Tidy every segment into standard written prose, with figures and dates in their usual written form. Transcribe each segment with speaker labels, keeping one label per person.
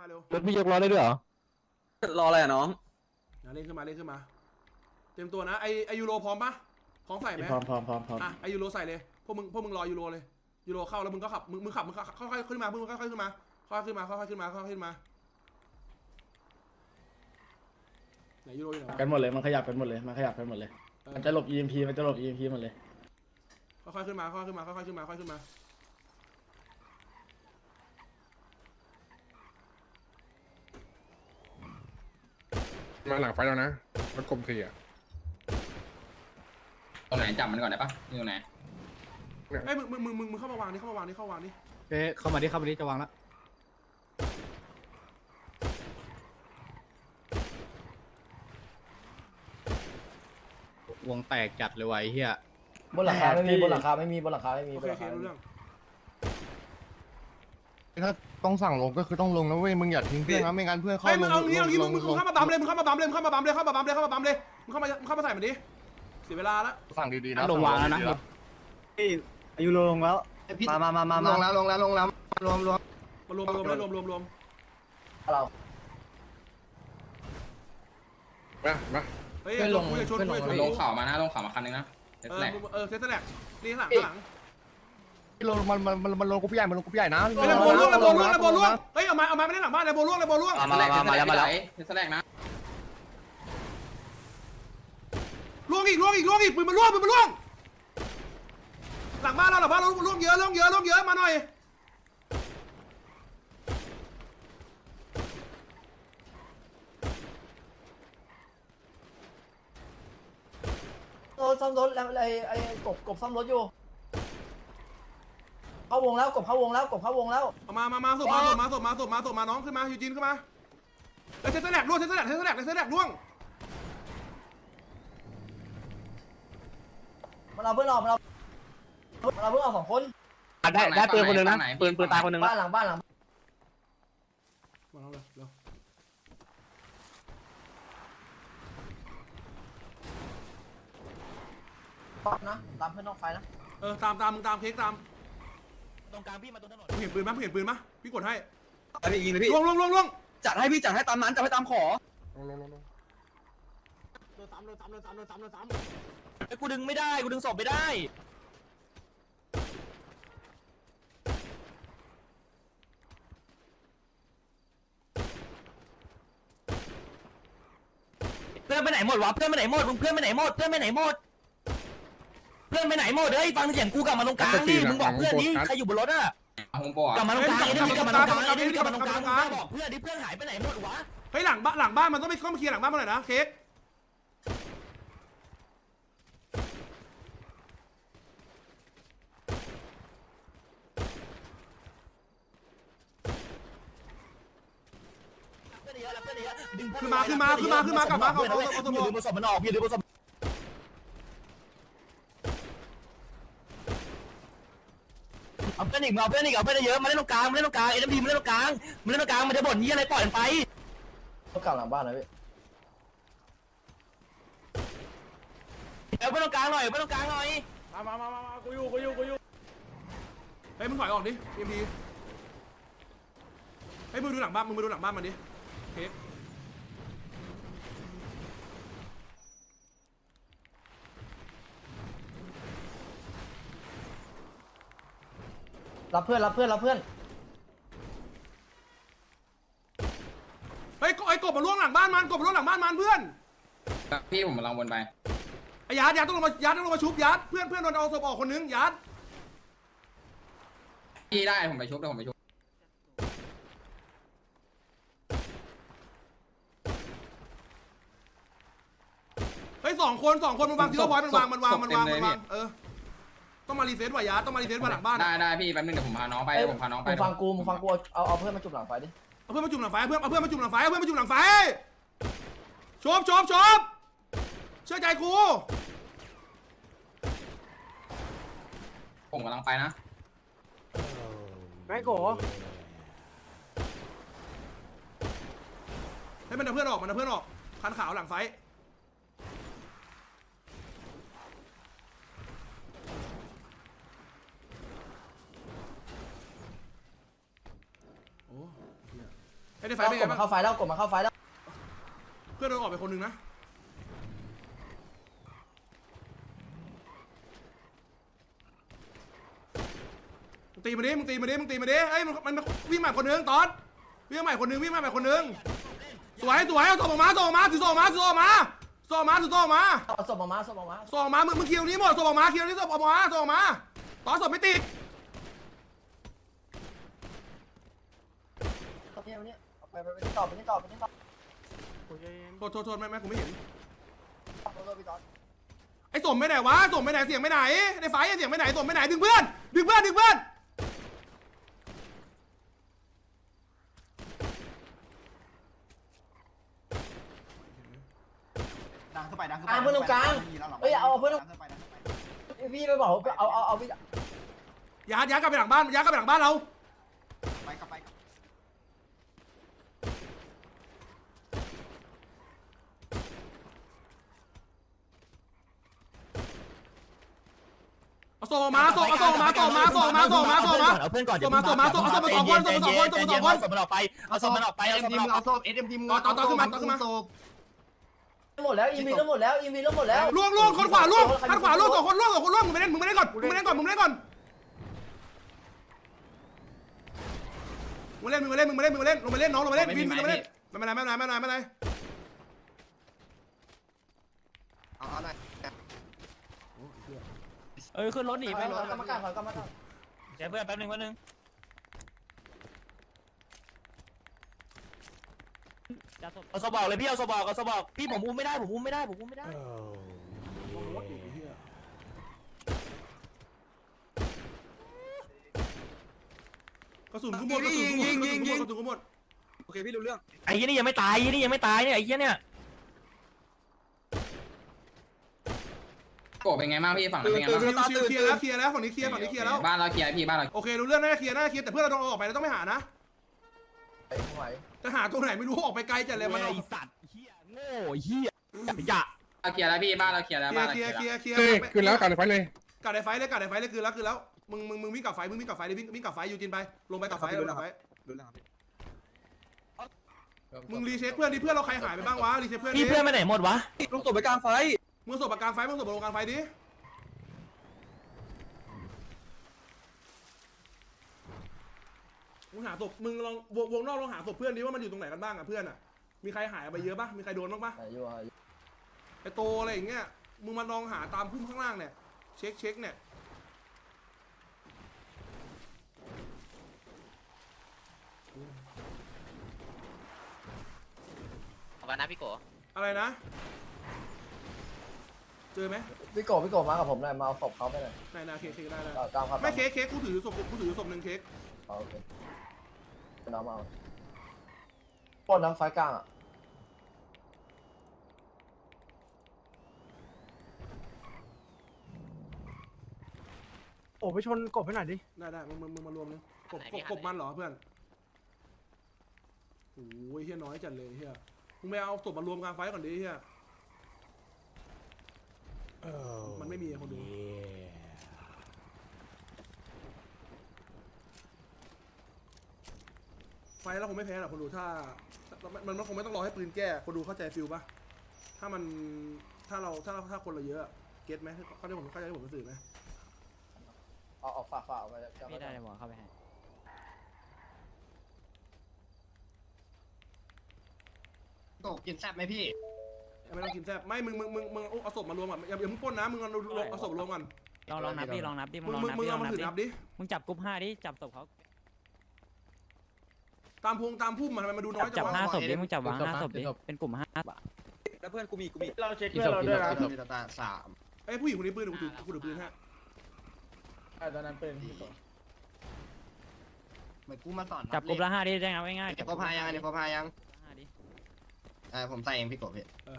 Speaker 1: มาเร็ว
Speaker 2: รถพี่ยกล้อได้ด้วยเหรอ
Speaker 3: รออะไรอ่ะน้อง
Speaker 1: เล่นขึ้นมาเล่นขึ้นมาเตรียมตัวนะไอยูโรพร้อมปะพร้อมใส่ไหม
Speaker 2: พร้อม
Speaker 1: อ่ะไอยูโรใส่เลยพวกมึงรอยูโรเลยยูโรเข้าแล้วมึงก็ขับมึงขับค่อยๆขึ้นมาค่อยๆขึ้นมาค่อยๆขึ้นมาค่อยๆขึ้นมาค่อยๆขึ้นมาไหนยูโรอยู่ไหนวะ
Speaker 2: กันหมดเลยมันขยับกันหมดเลยมันขยับกันหมดเลยมันจะหลบ EMP มันจะหลบ EMP หมดเลย
Speaker 1: ค่อยๆขึ้นมาค่อยๆขึ้นมาค่อยๆขึ้นมาค่อยๆขึ้นมา
Speaker 4: มาหลังไฟแล้วนะรถกลมสี่อ่ะ
Speaker 5: ตรงไหนจับมันก่อนได้ปะนี่ตรงไหน
Speaker 1: เอ้ยมึงเข้ามาวางนี่เข้ามาวางนี่เข้ามาวางนี่
Speaker 2: เข้ามาดิจะวางแล้ววงแตกจัดเลยไว้เฮีย
Speaker 6: บนหลังคาไม่มีบนหลังคาไม่มีบนหลังคาไม่มี
Speaker 1: โอบ
Speaker 6: น
Speaker 1: เค
Speaker 6: หลัง
Speaker 1: โอเค
Speaker 6: คา
Speaker 1: รู้เรื่อง
Speaker 4: ถ้าต้องสั่งลงก็คือต้องลงนะเว้ยมึงอย่าทิ้งเพื่อนนะไม่งั้นเพื่อนเข้า
Speaker 1: เฮ้ย
Speaker 4: ล
Speaker 1: มึ
Speaker 4: ง
Speaker 1: งเอางี้เอางี้มึง
Speaker 4: ลง
Speaker 1: เข้ามาบัมเลยมึงเข้ามาบัมเลยมึงเข้ามาบัมเลยเข้ามาบัมเลยเข้ามาบัมเลยเข้ามาบัมเลยมึงเข้ามาใส่มันดิเสียเวลาละ
Speaker 4: สั่งดีๆนะ
Speaker 2: ลงวางแล้วนะ
Speaker 3: อายุลงแล้วมาลงแล้วรวม
Speaker 1: มารวมเลยรวม
Speaker 6: เรา
Speaker 4: มา
Speaker 1: เฮ้ยลงคุยชน
Speaker 5: ลงเข่ามานะลงเข่ามาคันนึงนะเซตแรก
Speaker 1: เซตแลกนี่ข้างหลัง
Speaker 4: ลงมันลงกูพี่ใหญ่มันลงกูพี่ใหญ่นะ
Speaker 1: เฮ้ยระโบล่วงเฮ้ยเอามาไม่ได้หลังบ้านระโบล่วง
Speaker 5: มาแล้วเซตแรกนะ
Speaker 1: ล่วงอีกปืนมันล่วงหลังบ้านเราล่วงเยอะมาหน่อย
Speaker 6: ซ่อมรถแล้วไอ้กบซ่อมรถอยู่เข้าวงแล้วกบเข้าวงแล้ว
Speaker 1: เอามาส่งมาน้องขึ้นมายูจีนขึ้นมาเซตแลกล่วง
Speaker 6: มันเอาเพื่อนออกมันเอาเพื่อนออก2 คน
Speaker 2: ได้ปืนคนนึงนะปืนตายคนนึง
Speaker 6: บ้านหลัง
Speaker 1: มาแล้วเร็ว
Speaker 6: นะตามเพื่อนนอกไฟนะ
Speaker 1: ตามมึงตามเค้กตาม
Speaker 2: ตรงกลางพี่มาตรงถนน
Speaker 1: มึงเห็นปืนมั้ยพี่กดให้
Speaker 3: พี่ยิงเลยพี่
Speaker 1: ล่วง
Speaker 3: จัดให้ตามนั้นจัดให้ตามขอ
Speaker 4: ลง
Speaker 2: ไอ้กูดึงไม่ได้กูดึงศพไม่ได้เพื่อนไปไหนหมดวะเพื่อนไปไหนหมดเฮ้ยฟังเสียงกูกลับมาตรงกลางดิมึงบอกเพื่อนดิใครอยู่บนรถอ่ะ
Speaker 5: โฮมโปร
Speaker 2: กลับมาตรงกลางไอ้นี่กลับมาตรงกลางบอกเพื่อนดิเพื่อนหายไปไหนหมดวะ
Speaker 1: เฮ้ยหลังบ้านมันต้องไปเคลียร์หลังบ้านมาหน่อยนะเค้กขึ้นมากลับมาเขาสมอง
Speaker 2: ดึงศพมันออกพี่ดึงศพเอาเพื่อนอีกเยอะมาเล่นตรงกลางเอ็นพีมาเล่นตรงกลางมันจะบ่นยี่อะไรปล่อยมันไป
Speaker 6: ต้องกลับหลังบ้านนะพี่
Speaker 2: เอาเพื่อนตรงกลางหน่อย
Speaker 1: มากูอยู่เฮ้ยมึงถอยออกดิเอ็มพีเฮ้ยมึงดูหลังบ้านมันดิเค้ก
Speaker 6: รับเพื่อน
Speaker 1: เฮ้ยไอ้กบมาล่วงหลังบ้านมันเพื่อน
Speaker 5: พี่ผมกำลังวนไป
Speaker 1: ไอ้ยัดต้องลงมาชุบยัดเพื่อนโดนเอาศพออกคนนึงยัด
Speaker 5: พี่ได้ผมไปชุบเดี๋ยวผมไปชุบ
Speaker 1: เฮ้ย2 คนมันวางทีละพอยต์มันวางต้องมารีเซ็ตว่ะยัดต้องมารีเซ็ตว่าหลังบ้าน
Speaker 5: ได้พี่แป๊บนึงเดี๋ยวผมพาน้องไป
Speaker 6: มึงฟังกูเอาเพื่อนมาจุ่มหลังไฟดิ
Speaker 1: เอาเพื่อนมาจุ่มหลังไฟชบเชื่อใจกู
Speaker 5: ผมกำลังไปนะ
Speaker 1: ให้มันเอาเพื่อนออกคันขาวหลังไฟโอ้ไอ้ในไฟ
Speaker 6: เรา
Speaker 1: เป็น
Speaker 6: ก
Speaker 1: ไง
Speaker 6: ดมา
Speaker 1: บ้าง
Speaker 6: เข้าไฟแล้วกดมาเข้าไฟแล้ว
Speaker 1: เพื่อนโดนออกไปคนหนึ่งนะมึงตีมาดิมึงตีมาดิมึงตีมาดิเอ้ยมันวิ่งใหม่คนหนึงตอนวิ่งใหม่คนหนึงวิ่งใหม่คนหนึงสวยเอาส่งออกมาถือส่งออกมาถือส่งออกมา
Speaker 6: เอาศพออกมาศพออกมา
Speaker 1: ส่งออกมามึงเคลียร์ตรงนี้หมดส่งออกมาเคลียร์ตรงนี้ส่งออกมาตอนส่งไม่ติด
Speaker 6: ตรงนี้ไปนี่ต่อ
Speaker 1: โทษไม่กูไม่เห็น
Speaker 6: พี่ตอน
Speaker 1: ไอ้ส่งไปไหนวะส่งไปไหนเสียงไปไหนในไฟเสียงไปไหนส่งไปไหนดึงเพื่อน
Speaker 3: ดังเข้าไปดังเข้าไป
Speaker 6: เพื่อนตรงกลางเฮ้ยเอาเพื่อนพี่ไปบอกเอาพี่
Speaker 1: ย้ายกลับไปหลังบ้านเรา
Speaker 3: ไปกลับไป
Speaker 1: เอาส่งมาเอาเพื่อนก่อน
Speaker 2: เอาเพื่อนก่อนส่งมาสองคนส่งมันออกไปเอาส่งมันออกไปเอาส่งมันออกไป
Speaker 3: เอาโซบเอ็มทีม
Speaker 1: ต่อขึ้นมา
Speaker 6: หมดแล้วอีวีแล้วหมดแล้ว
Speaker 1: ล่วงคนขวาล่วงข้างขวาล่วง2 คนล่วงมึงไปเล่นก่อนมึงเล่นก่อนมึงเล่นก่อนลงไปเล่นน้องลงไปเล่นวินลงไปเล่นไม่เป็นไร
Speaker 3: เอาหน่อย
Speaker 2: ขึ้นรถหนีไป
Speaker 6: กรรมการถอยกรรมการ
Speaker 2: เดี๋ยวเพื่อนแป๊บนึงเอาสบอกเลยพี่เอาสบอกพี่ผมอุ้มไม่ได้
Speaker 1: กระสุนกูหมด
Speaker 3: โอเคพี่รู้เรื่อง
Speaker 2: ไอ้ยี่นี่ยังไม่ตายเนี่ยไอ้ยี่เนี่ย
Speaker 5: โกเป็นไงบ้างพี่ฝั่งนั้นเป็นไงบ้าง
Speaker 1: เคลียร์แล้วฝั่งนี้เคลียร์แล้ว
Speaker 5: บ้านเราเคลียร์พี่บ้านเรา
Speaker 1: โอเครู้เรื่องน่าจะเคลียร์แต่เพื่อนเราต้องออกไปเราต้องไม่หานะ
Speaker 6: ไหว
Speaker 1: จะหาตัวไหนไม่รู้ออกไปไกลจัดเลยมัน
Speaker 2: ไอ้สัตว์เหี้ยโง่เหี้ยอย่า
Speaker 5: เราเคลียร์แล้วพี่บ้านเราเคลียร์แล้วบ้านเราเคลียร์แล้ว
Speaker 1: เคลียร์
Speaker 4: คือแล้วกันไปเลย
Speaker 1: กัดในไฟเลยคือแล้วมึงวิ่งกับไฟวิ่งกับไฟยูจินไปลงไปกับไฟ
Speaker 3: รู้เรื่องครับพี่
Speaker 1: มึงรีเช็คเพื่อนดิเพื่อนเราใครหายไปบ้างวะรีเช็คเพื่อนดิ
Speaker 2: พี่เพื่อนไปไหนหมดวะ
Speaker 3: ลูกตบไปกลางไฟ
Speaker 1: มึงส่งปากกลางไฟมึงส่งลงกลางไฟดิมึงหาศพมึงลองวงนอกลองหาศพเพื่อนดิว่ามันอยู่ตรงไหนกันบ้างอ่ะเพื่อนอ่ะมีใครหายไปเยอะปะมีใครโดนบ้างปะ
Speaker 6: อยู่
Speaker 1: ไอโตอะไรอย่างเงี้ยมึงมาลองหาตามพุ่มข้างล่างเนี่ยเช็คเนี่ย
Speaker 2: วันนะพี่โก
Speaker 1: อะไรนะเจอไหม
Speaker 6: พี่โกมากับผมหน่อยมาเอาศพเขาไปหน่อย
Speaker 1: ไหนเค้กได้
Speaker 6: ตามครับ
Speaker 1: ไม่เค้กกูถือศพหนึ่งเค้ก
Speaker 6: โอเคน้ำเอาปล้นน้ำไฟกลางอ่ะ
Speaker 3: โอ้ไปชนกบให้หน่อยดิ
Speaker 1: ได้มึงมารวมนึงกบมันเหรอเพื่อนโอ้ยเฮียน้อยจัดเลยเฮียมึงไปเอาศพมารวมกลางไฟก่อนดิเฮียมันไม่มีคนดูไฟแล้วคงไม่แพ้หรอกคนดูถ้ามันคงไม่ต้องรอให้ปืนแก้คนดูเข้าใจฟิลปะถ้าคนเราเยอะเก็ตไหมเขาได้ผมเข้าใจผมสื่อไหม
Speaker 6: เอาฝากเอาไป
Speaker 2: ไม่ได้เลยหมอเข้าไปให้
Speaker 3: ตกกินแซ่บไหมพี่
Speaker 1: ไม่ต้องกินแซ่บไม่มึงเอาศพมารวมก่อนอย่ามึงปล้นนะมึงเอาศพรวมก่อน
Speaker 2: ลองนับดิมึงลองนับ
Speaker 1: มึงเอามาถือนับดิ
Speaker 2: มึงจับกรุ๊ป5ดิจับศพเขา
Speaker 1: ตามพุ่มมันทำไมมาดูน้อยจั
Speaker 2: จั
Speaker 1: ง
Speaker 2: บ
Speaker 1: วะ
Speaker 2: 5ศพดิมึงจับวาง5ศพดิเป็นกลุ่ม5
Speaker 3: แล้วเพื่อนกูมี
Speaker 6: เราเช็คเพื่อนเราด้วยนะ
Speaker 3: มีตาสาม
Speaker 1: ไอ้ผู้หญิงคนนี้ปืนกูถือปืนฮะ
Speaker 6: ตอนนั้นเป็น
Speaker 3: เหมือนกูมาสอน
Speaker 2: จับกลุ่มละ5ดิได้ไงง่ายๆ
Speaker 3: เดี๋ยวเขาพายังเดี๋ยวเขาพายัง
Speaker 2: 5ดิ
Speaker 3: ผมใส่เองพี่กบพี่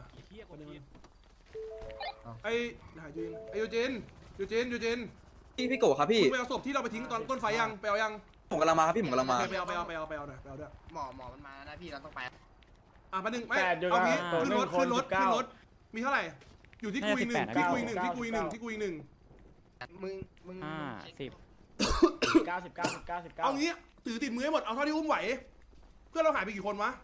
Speaker 1: ไอ้ยูจิน
Speaker 7: พี่โกครับพี่
Speaker 1: ไปเอาศพที่เราไปทิ้งตอนต้นไฟยังไปเอายัง
Speaker 7: ผมกำลังมาครับพี่ผมกำลังมา
Speaker 1: ไปเอาหน่อยไปเอาด้วย
Speaker 3: หมอมันมานะพี่เราต้องไป
Speaker 1: มาหนึ่งไม่เอางี้ขึ้นรถมีเท่าไหร่อยู่ที่กูอีกหนึ่งที่กูอีกหนึ่ง
Speaker 3: มึง
Speaker 2: 5 10
Speaker 6: 19
Speaker 1: เอางี้ถือติดมือให้หมดเอาเท่าที่อุ้มไหวพื่อนเราหายไปกี่คนวะ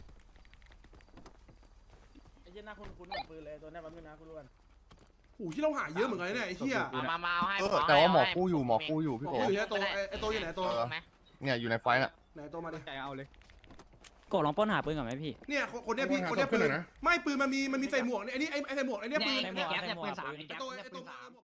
Speaker 6: ไอ้เหี้ยหน้าคุ้นๆเหมือนปืนเลยตัวนี้มันไม่น่าคุ้น
Speaker 1: โอ้โหที่เราหายเยอะเหมือนกันเนี่ยไอ้เหี้ย
Speaker 8: มาเอาให้
Speaker 4: แต่ว่าหมอกู้อยู่พี่
Speaker 1: โอ้
Speaker 4: โก
Speaker 1: โหอยู่ไหนตัวไอ้ตัวอยู่ไหนตัว
Speaker 4: เนี่ยอยู่ในไฟน่ะ
Speaker 1: ไหนตัวมาดิ
Speaker 3: ใจเอาเลย
Speaker 2: โกลองป้นหาปืนก่อนไหมพี่
Speaker 1: เนี่ยคนเนี้ยพี่คนเนี้ยปืนไม่ปืนมันมีใส่หมวกเนี่ยไอ้นี่ไอ้ใส่หมวกไอ้เนี่ยปืน
Speaker 8: แก๊ปเนี่ยปืน3
Speaker 1: ไอ้ตัว